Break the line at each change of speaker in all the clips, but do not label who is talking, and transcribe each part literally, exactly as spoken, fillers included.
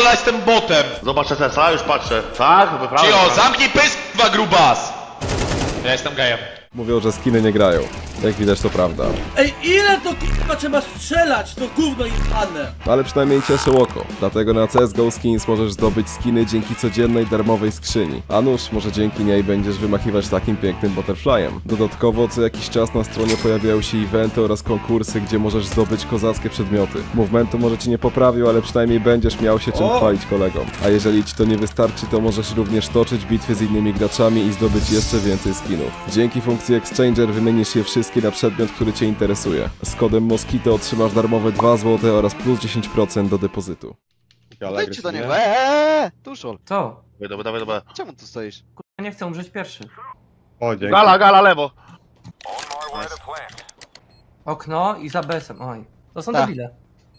pierdolę, jestem botem!
Zobacz S S A, już patrzę. Tak? Wyprawa.
Cio, zamknij pysk, dwa grubas! Ja jestem gejem.
Mówią, że skiny nie grają. Jak widać to prawda.
Ej, ile to kurwa trzeba strzelać, to gówno jebane!
Ale przynajmniej cieszy oko. Dlatego na C S G O Skins możesz zdobyć skiny dzięki codziennej darmowej skrzyni. A nuż, może dzięki niej będziesz wymachiwać takim pięknym butterflyem. Dodatkowo co jakiś czas na stronie pojawiają się eventy oraz konkursy, gdzie możesz zdobyć kozackie przedmioty. Movementu może ci nie poprawił, ale przynajmniej będziesz miał się czym
O!
chwalić kolegom. A jeżeli ci to nie wystarczy, to możesz również toczyć bitwy z innymi graczami i zdobyć jeszcze więcej skinów. Dzięki funkcji Exchanger wymienisz je wszystkie na przedmiot, który cię interesuje. Z kodem Moskito otrzymasz darmowe dwa złote oraz plus dziesięć procent do depozytu.
Wejdźcie do niego, eee, Tuszol.
Co?
Dawaj, dawaj, dawaj.
Czemu tu stoisz?
Ja nie chcę umrzeć pierwszy.
O, dzięki.
Gala, gala, lewo.
Okno i za B S em. Oj. To są
Tak.
debile.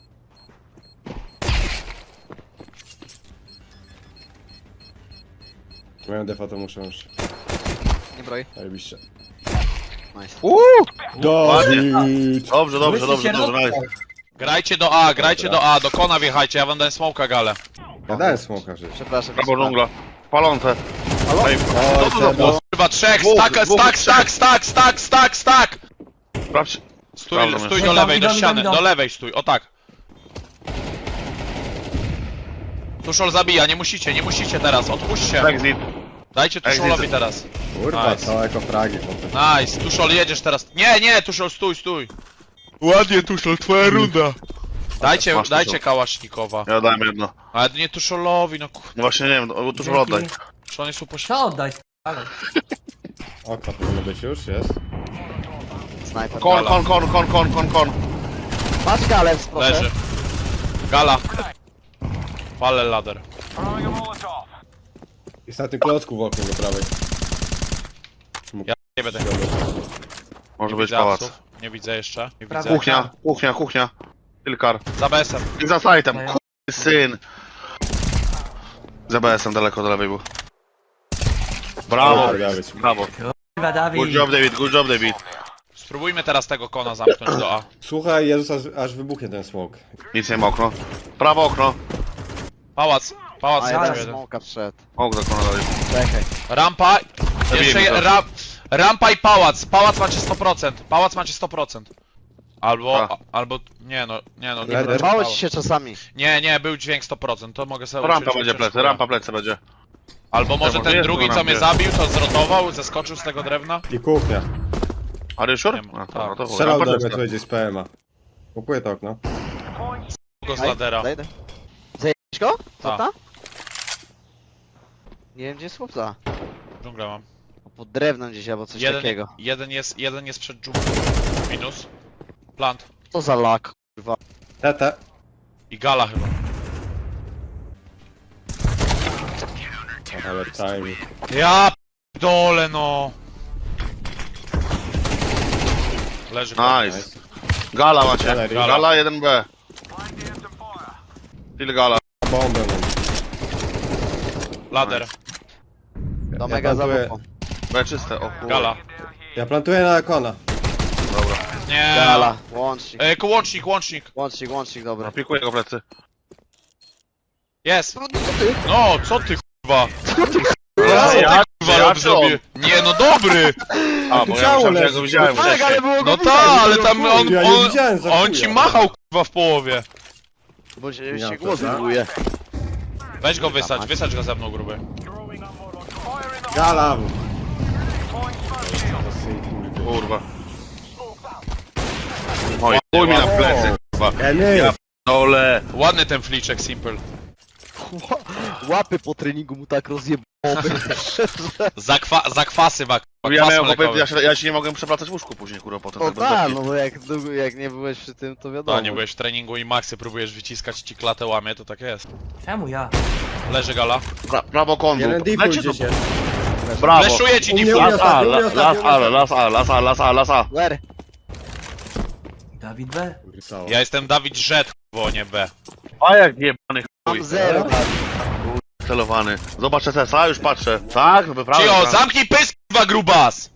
Mają defa, to muszę już.
Nie broj.
Zajebiście.
Nice.
Dawid!
Dobrze, dobrze,
Myślicie,
dobrze, dobrze, nice.
Grajcie do A, grajcie do A, do kona wjechajcie, ja wam dałem smoka galę.
Ja dałem smoka przecież.
Przepraszam.
Prawo dżungla. Palące. Ej,
O, Sebo.
Kurwa, trzech,
Dwóch,
stack,
dwóch,
stack,
trzech.
stack, stack, stack, stack, stack!
sprawdź.
Stój,
Sprawdzam
stój
jeszcze.
do lewej, do
Idą, idą,
ściany,
idą.
do lewej stój, o tak. Tuszol zabija, nie musicie, nie musicie teraz, odpuśćcie.
Exit.
Dajcie Tuszolowi
Exit.
teraz.
Kurwa,
Nice.
całe kofragi potem.
Nice, Tuszol jedziesz teraz. Nie, nie, Tuszol, stój, stój. Ładnie, Tuszol, twoja runda. Dajcie,
Masz,
dajcie
Tuszol.
Kałasznikowa.
Ja dałem jedno.
Ale nie Tuszolowi, no kur...
No właśnie nie wiem, no, tuż
Dzięki.
oddaj.
Czy on jest upośledzony?
Co oddaj? Ale.
Okno powinno być już, jest.
Snajper.
Kon, kon, kon, kon, kon, kon, kon.
Patrz galec, proszę.
Leży. Gala. Palę lader.
Jest na tym klocku w oknie do prawej.
Ja nie będę.
Może
Nie
być
widzę
pałac.
apsów. Nie widzę jeszcze. Nie
Prawie.
widzę.
Kuchnia, kuchnia, kuchnia. Tylkar.
Za B S em.
I za sajtem,
No ja.
kurwy syn. Za B S em daleko do lewej był. Brawo,
Dobra, Dawid.
brawo.
Chyba Dawid.
Good job David, good job David.
Spróbujmy teraz tego kona zamknąć do A.
Słuchaj, Jezus, aż, aż wybuchnie ten smoke.
Nic nie ma okno. Prawo okno.
Pałac. Pałac
A
jeden.
jeden smoka wszedł.
Okno okno dalej.
Czekaj.
Rampa. Jeszcze
Zabijemy
je,
to.
ra, rampa i pałac. Pałac macie sto procent. Pałac macie sto procent. Albo,
A.
a, albo, nie no, nie no, nie
Leder?
będzie
Mało
pałac.
ci się czasami.
Nie, nie, był dźwięk sto procent, to mogę sobie
To rampa
uczyć,
będzie
uczyć
plecy,
szkołę.
rampa plecy będzie.
Albo może
może
ten
jest
drugi,
na
co mnie
rampie.
zabił, to zrotował, zeskoczył z tego drewna.
I kuchnia.
Are you sure?
Nie ma.
A, to,
Tak.
no to
Strzelał
rampa
do mnie,
plecy.
tu będzie z P M a. Kupuję to okno.
Go z ladera.
Zajdę. Zajebisz go? Co
Tak.
ta? Nie wiem gdzie jest chłopca.
Dżunglę mam.
Pod drewnem gdzieś albo coś
Jeden,
takiego.
jeden jest, jeden jest przed dżunglą. Minus. Plant.
To za lak, kurwa.
Tete.
I gala chyba.
Ale time.
Ja dole no. Leży.
Nice. Gala macie.
Galerii.
Gala jeden B. Ile gala?
Bombę mam.
Lader.
Do
Ja
mega
plantuję,
zabuchu.
B czyste, o kurwa.
Gala.
ja plantuję na Akona.
Dobra.
Nie.
Gala, łącznik.
E, łącznik, łącznik.
Łącznik, łącznik, dobra.
Pikuję go plecy.
Jest.
No co ty?
No, co ty kurwa?
Ja,
Co
ja,
ty kurwa
ja
rob zrobię? Nie no dobry!
A, bo ja
Ciało
myślałem, że ja
leży.
go widziałem
Tak, ale
wcześniej.
było go
No
widać,
ta, ale
było
tam
chuj.
on,
Ja nie
on,
widziałem za
on
chuja.
ci machał kurwa w połowie.
Bo się,
Ja
się
to
głos
tak.
wywołuje.
Weź go wysać, wysać go ze mną gruby.
Gala!
Kurwa. Oj, chuj mi na plecy, kurwa.
Ja nie
Ja dole.
Ładny ten fliczek, simple.
Łapy po treningu mu tak rozjebało.
Zakwa zakwasy ma kurwa,
Ja,
kwas
miałem,
mlekowy.
ja, się, ja się nie mogłem przewracać w łóżku później, kurwa, potem.
O
tak bez
tak,
beki.
no bo jak, długo- jak nie byłeś przy tym, to wiadomo.
A, nie byłeś w treningu i maksy próbujesz wyciskać, ci klatę łamie, to tak jest.
Czemu ja?
Leży gala.
Pra, prawo kondu.
Jeden default
Lecie
gdzieś
to.
jest.
Brawo.
Fleszuję ci
U mnie,
default.
u mnie.
Las A,
ostatni, u mnie
las
ostatni,
A,
u mnie
las A, las A, las A, las A.
Ler.
Dawid B.
Rysało.
Ja jestem Dawid Rzet, bo nie B.
A jak jebany chuj.
Mam zero. tak.
Celowany. Zobacz S S A, już patrzę. Tak, wyprawa.
Cio,
wyprawa.
zamknij pysk, dwa grubas!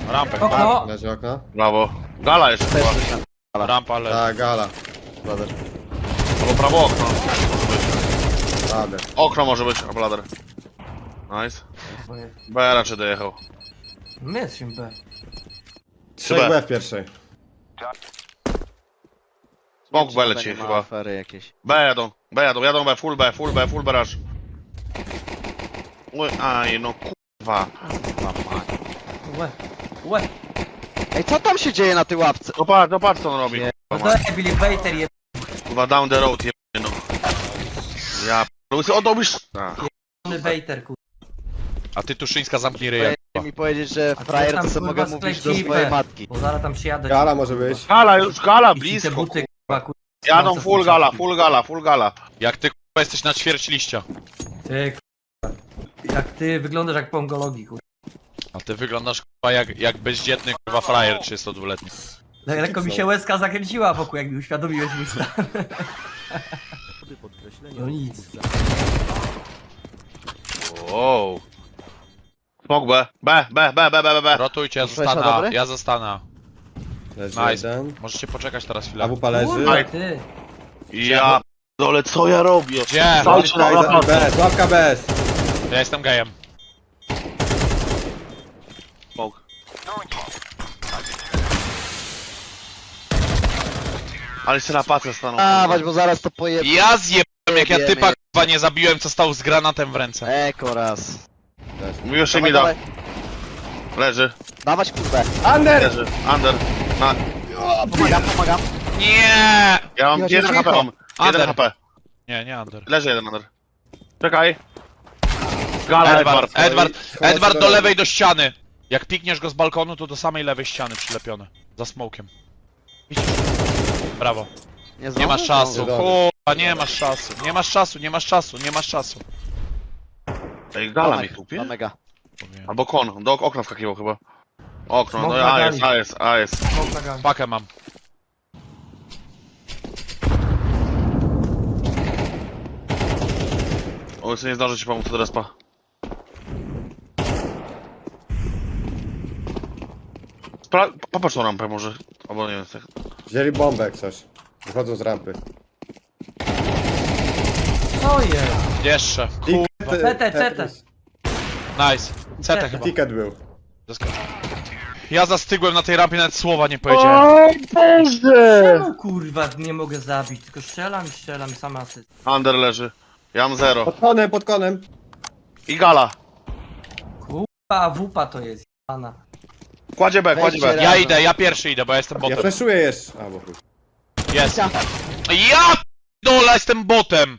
Rampę.
Okno.
Leży okno.
Brawo. Gala jeszcze
Też
chyba.
coś tam,
Rampa leży.
Tak, gala.
brother.
Albo prawo okno.
Radę.
Okno może być, a blader. Nice. B raczej dojechał.
My jesteśmy B.
Trzech
B.
B w pierwszej.
Smok B
Nie
leci
ma
chyba.
afery jakieś.
B jadą, B jadą, jadą B, full B, full B, full B rush. Oj, aj no kurwa.
Łe. Łe.
Ej, co tam się dzieje na tej łapce?
No patrz, no patrz co on robi.
Nie.
No
Kurwa,
to Billy Bater je...
kurwa down the road, jebany no. Ja p***, o to byś... A.
Bater, kurwa.
A ty Tuszyńska zamknij ryja.
Chcieli mi powiedzieć, że
A to
frajer
tam,
to sobie
kurwa,
mogę mówić do
skleciwe.
swojej matki.
Bo zaraz tam przyjadę.
Gala może być.
Gala już, gala
I ci te
blisko.
buty, kurwa, kurwa.
Jadą full gala, full gala, full gala.
Jak ty kurwa jesteś na ćwierć liścia.
Ty, kurwa. Jak ty wyglądasz jak pongologii, kurwa.
A ty wyglądasz kurwa jak, jak bezdzietny kurwa frajer trzydziestodwuletni.
Le- Lekko mi się łezka zakręciła wokół, jak mi uświadomiłeś mój stan. No nic.
Wow. Smok B, B, B, B, B, B, B.
Rotujcie, ja
Flesza
zostanę,
dobry?
ja zostanę.
Leży
Nice.
jeden.
Możecie poczekać teraz chwilę.
A wupa leży.
Kurwa, ty.
Ja dole, co ja robię?
Gdzie?
Cały czas
Łapka
na
i za- bez, łapka bez.
Ja jestem gejem.
Smok. Ale się na pacę stanął.
Dawać, bo zaraz to pojeb...
Ja zjebałem jak ja
Jebie
typa
mnie.
kurwa nie zabiłem, co stał z granatem w ręce.
Eko raz.
Mówisz mi
Dawaj,
da.
dawaj.
Leży,
Dawać kurwę.
Under!
leży, under. Na...
Pomagam, pomagam.
Nie!
Ja mam
Cicho,
jeden
cicho.
H P, mam. Jeden
Under.
H P.
Nie, nie Under.
Leży jeden under. Czekaj. Gala,
Edward,
Edward.
Edward,
Schowaj
Edward
się
do
do
lewej do ściany. Jak pikniesz go z balkonu, to do samej lewej ściany przylepione. Za smokiem. Widzisz? Brawo.
Nie,
Nie
znowu?
masz czasu,
Dobrze.
kurwa, nie masz czasu. Nie masz czasu, nie masz czasu, nie masz czasu.
Ej, gala
Dawaj,
mi tupie?
na mega.
Albo kon, do okna wskakiwał chyba. Okno,
Smok
no
na
a
gali.
jest, a jest, a jest.
Smok na gang.
Pakę mam.
O, jeszcze nie zdążę ci pomóc do respa. Spra... Popatrz tą rampę może, albo nie wiem, tak.
Wzięli bombę jak coś. Wychodzą z rampy.
Co jest?
Jeszcze.
Ticket,
Cete, cete.
Nice. Cetę chyba.
Ticket był.
Zaskoczył. Ja zastygłem na tej rampie, nawet słowa nie powiedziałem.
Czemu kurwa nie mogę zabić? Tylko strzelam i strzelam i sam asyst.
Under leży. Ja mam zero.
Pod konem, pod konem.
I gala.
Kurwa, wupa to jest, jana.
Kładzie B, kładzie B.
Wejdźcie
Ja idę, ja pierwszy idę, bo ja jestem
Ja
botem.
flashuję jeszcze. A, bo chuj.
Jest. Ja dola jestem botem!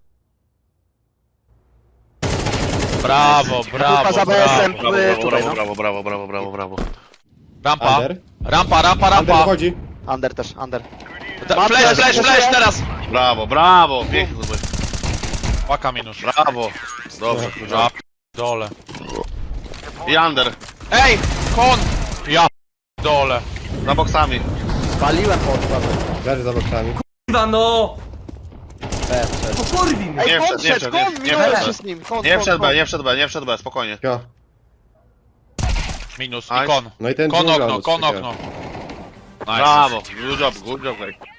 Brawo, brawo,
za B S M.
brawo.
Brawo,
Tutaj,
brawo,
no.
brawo, brawo, brawo, brawo, brawo.
Rampa,
Under.
rampa, rampa,
Under
rampa.
wchodzi.
Under też, under.
Ta- Flash, flash, flash teraz!
Brawo, brawo, pięknie to było.
Paka minus.
Brawo. Dobrze,
Ja dole.
I under.
Ej, kon! Ja dole.
Za boksami.
Paliłem pod prawem.
Leży za boksami.
Kurwa no!
B, wszedł.
Pokurwi mnie!
Ej,
Nie
kon
wszedł, nie
wszedł,
wszedł, nie-
kon,
nie
minąłem
wszedł.
się z nim. Kon,
Nie
kon,
wszedł
kon.
B, nie wszedł B, nie wszedł B, spokojnie.
Jo.
Minus
Nice.
i kon.
No i ten
Kon
dżungla
okno,
albo
kon
coś takiego.
okno. Nice.
Brawo, good job, good job, guys.